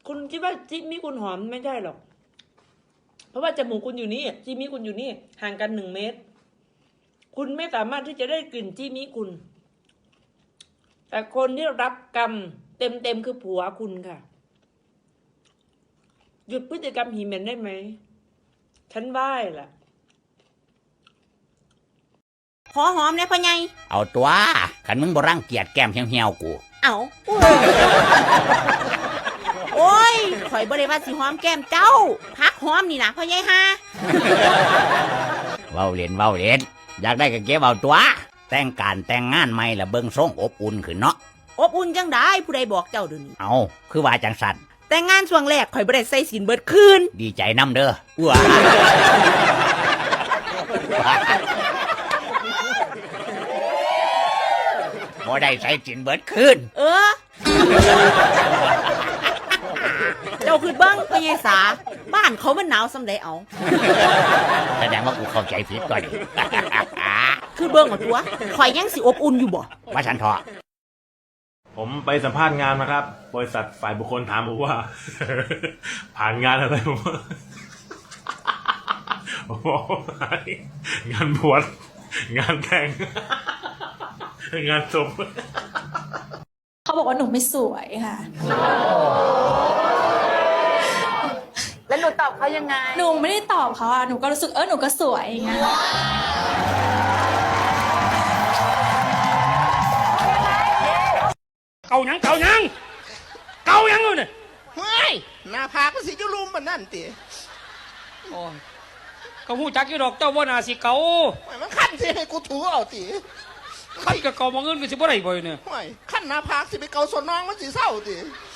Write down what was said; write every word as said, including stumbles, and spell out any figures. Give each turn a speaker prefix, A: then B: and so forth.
A: คุณคิดว่าจิมี่คุณหอมไม่ใช่หรอกเพราะว่าจมูกคุณอยู่นี่จิมี่คุณอยู่นี่ห่างกันหนึ่งเมตรคุณไม่สามารถที่จะได้กลิ่นจิมี่คุณแต่คนที่รับกรรมเต็มเต็มคือผัวคุณค่ะหยุดพฤติกรรมหีเหม็นได้ไหมฉันไหว้ล่ะ
B: ขอหอมเนี่ยพ่อใหญ่
C: เอาตัวขันมึงบ่รังเกียจแก้มเหี่ยวๆกู
B: เอาโอ้ยข่อยบ่ได้ว่าสิหอมแก้มเจ้าพักหอมนี่นะพ่อใหญ่ฮะ
C: เว้าเล่นเว้าเล่นอยากได้ก็เก็บเอาตัวแต่งการแต่งงานใหม่ละเบิ่งทรงอบอุ่นขึ้นเนาะ
B: อบอุ่นจังได้ผู้ใดบอกเจ้าเดี๋ยวนี้
C: เอาคือว่าจังสั่น
B: แต่งงานช่วงแรกข่อยบ่ได้ใส่สินเบิดคืน
C: ดีใจนำเด้อว้าบ่ได้ใส่สินเบิดคืน
B: เออเจ้าคือเบิ้งพ่อใหญ่สาบ้านเขามันหนาวสำใดเอา
C: แสดงว่ากูเข้าใจผิดก่อน
B: คือเบิ้งเอาตัวข่อยยังสิอบอุ่นอยู่บ่
C: ว่าฉันเถาะ
D: ผมไปสัมภาษณ์งานมาครับบริษัทฝ่ายบุคคลถามผมว่าผ่านงานอะไรผมบอกงานบวชงานแต่งงานศพ
E: เขาบอกว่าหนูไม่สวยค่ะ
F: แล้วหนูตอบเขายังไง
E: หนูไม่ได้ตอบเขาอะหนูก็รู้สึกเออหนูก็สวยอย่างเงี้ย
G: เกายังเกายังเกายังเลยเนี่ย
H: เฮ้ยหน้าผากก็สิจุลุมมันนั่นติ
G: โอ้ยก็หูจักกี่ดอกเจ้าว่านาสิเกา
H: มันขั้นสิให้กูถูเอาติ
G: ขั้นกับเกามองเงินก็สิบ่ได้บ่เนี่ย
H: ขั้นหน้าผากสิไปเกาส่วนน้องมันสิเศร้าติ